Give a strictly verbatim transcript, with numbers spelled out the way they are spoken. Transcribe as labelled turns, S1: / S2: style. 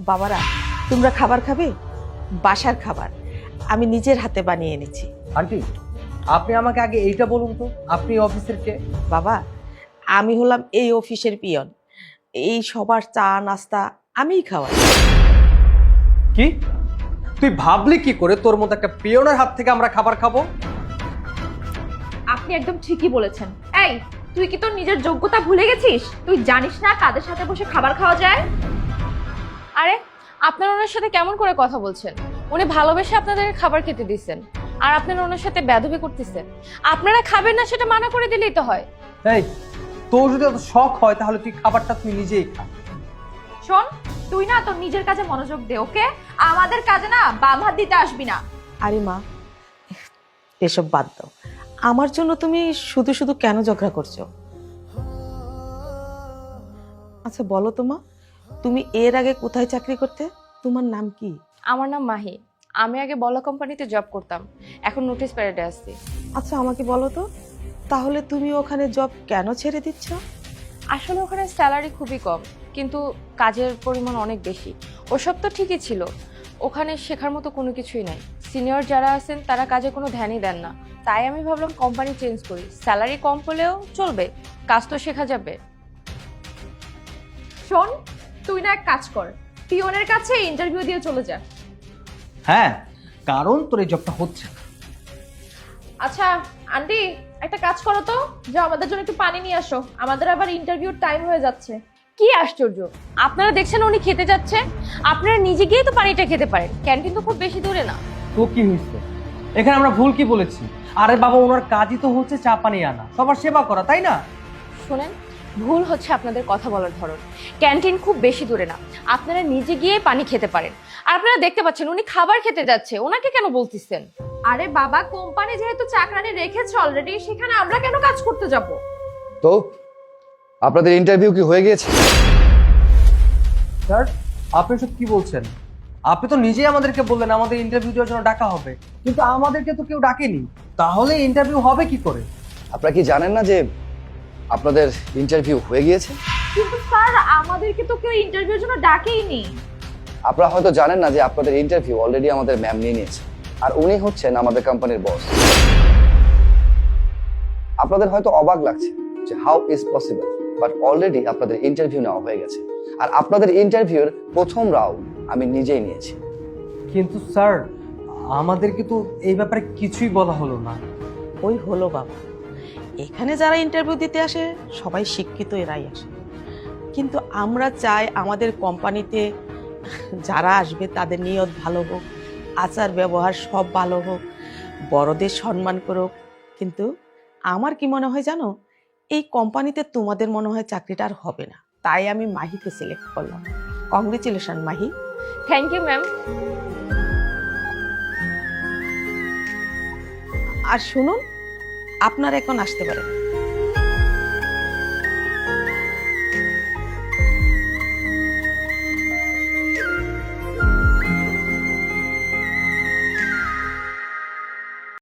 S1: বাবারা, তোমরা খাবার খাবে? বাসার খাবার আমি নিজের হাতে বানিয়ে এনেছি।
S2: আন্টি, আপনি আমাকে আগে এইটা বলুন তো, আপনি অফিসের কে?
S1: বাবা, আমি হলাম এই অফিসের পিয়ন। এই সবার চা নাস্তা আমিই খাওয়াই।
S2: কি তুই ভাবলি কি করে তোর মতো একটা পিয়নের হাত থেকে আমরা খাবার খাবো?
S3: আপনি একদম ঠিকই বলেছেন। এই, তুই কি তোর নিজের যোগ্যতা ভুলে গেছিস? তুই জানিস না কাদের সাথে বসে খাবার খাওয়া যায়?
S4: আরে আপনারা ওনার সাথে কেমন করে কথা বলছেন? উনি ভালোবেসে আপনাদের খাবার খেতে দিচ্ছেন, আর আপনারা ওনার সাথে বেয়াদবি করতেছেন। আপনারা খাবেন না সেটা মানা করে দিলেই তো হয়।
S2: এই, তোর যদি এত শখ হয় তাহলে তুই খাবারটা তুই নিজেই খা।
S3: শোন, তুই না তোর নিজের কাজে মনোযোগ দে, ওকে? আমাদের কাজে না বাম হাত দিতে আসবি না।
S1: আরে মা, এসব বাদ দাও। আমার জন্য তুমি শুধু শুধু কেন ঝগড়া করছো? আচ্ছা বলো তো মা, তুমি এর আগে কোথায় চাকরি করতে? তোমার নাম কি?
S4: আমার নাম মাহি। আমি আগে বলা কোম্পানিতে জব করতাম, এখন নোটিশ পিরিয়ডে আসছি।
S1: আচ্ছা আমাকে বলো তো, তাহলে তুমি ওখানে জব কেন ছেড়ে দিচ্ছ?
S4: আসলে ওখানে স্যালারি খুবই কম, কিন্তু কাজের পরিমাণ অনেক বেশি। ওসব তো ঠিকই ছিল, ওখানে শেখার মতো কোনো কিছুই নাই। সিনিয়র যারা আছেন তারা কাজে কোনো ধ্যানই দেন না। তাই আমি ভাবলাম কোম্পানি চেঞ্জ করি, স্যালারি কম হলেও চলবে, কাজ তো শেখা যাবে।
S3: শোন, তুই না এক কাজ কর, পিয়নের কাছে ইন্টারভিউ দিয়ে চলে যা।
S2: হ্যাঁ, কারণ তোর এই জবটা হচ্ছে না।
S3: আচ্ছা আন্টি, একটা কাজ করো তো, যে আমাদের জন্য একটু পানি নিয়ে আসো, আমাদের আবার ইন্টারভিউর টাইম হয়ে যাচ্ছে।
S4: কি আশ্চর্য, আপনারা দেখছেন উনি খেতে যাচ্ছে, আপনারা নিজে গিয়ে তো পানিটা খেতে পারেন, ক্যান্টিন তো খুব বেশি দূরে না।
S2: তো কি হয়েছে? এখানে আমরা ভুল কি বলেছি? আরে বাবা, ওনার কাজই তো হচ্ছে চা পানি আনা, সবার সেবা করা, তাই না?
S4: শোনেন, ভুল হচ্ছে আপনাদের কথা বলার ধরন। ক্যান্টিন খুব বেশি দূরে না, আপনারা নিজে গিয়ে পানি খেতে পারেন। আর আপনারা দেখতে পাচ্ছেন উনি খাবার খেতে যাচ্ছে, ওনাকে কেন বলতেছেন?
S3: আরে বাবা, কোম্পানি যেহেতু চাকরানি রেখেছে অলরেডি, সেখানে আমরা কেন কাজ করতে যাব?
S5: তো আপনাদের ইন্টারভিউ কি হয়ে গিয়েছে?
S2: স্যার, আপনি সব কি বলছেন? আপনি তো নিজেই আমাদেরকে বললেন আমাদের ইন্টারভিউ দেওয়ার জন্য ডাকা হবে, কিন্তু আমাদেরকে তো কেউ ডাকেনি। তাহলে ইন্টারভিউ হবে কি করে?
S5: আপনারা কি জানেন না যে আপনাদের ইন্টারভিউ হয়ে গিয়েছে?
S3: কিন্তু স্যার, আমাদেরকে তো কেউ ইন্টারভিউর জন্য ডাকেইনি।
S5: আপনারা হয়তো জানেন না যে আপনাদের ইন্টারভিউ অলরেডি আমাদের ম্যাম নিয়ে নিয়েছে, আর উনি হচ্ছেন আমাদের কোম্পানির বস। আপনাদের হয়তো অবাক লাগছে যে how is possible, but already আপনাদের ইন্টারভিউ নেওয়া হয়ে গেছে, আর আপনাদের ইন্টারভিউর প্রথম রাউন্ড আমি নিজেই নিয়েছি।
S2: কিন্তু স্যার, আমাদেরকে তো এই ব্যাপারে কিছুই বলা হলো না।
S1: ওই হলো বাবা, এখানে যারা ইন্টারভিউ দিতে আসে সবাই শিক্ষিত এরাই আসে, কিন্তু আমরা চাই আমাদের কোম্পানিতে যারা আসবে তাদের নিয়ত ভালো হোক, আচার ব্যবহার সব ভালো হোক, বড়দের সম্মান করুক। কিন্তু আমার কি মনে হয় জানো, এই কোম্পানিতে তোমাদের মনে হয় চাকরিটা আর হবে না, তাই আমি মাহিকে সিলেক্ট করলাম। Congratulation Mahi.
S4: Thank you ma'am.
S1: আর শুনুন, আপনারা এখন আসতে পারেন।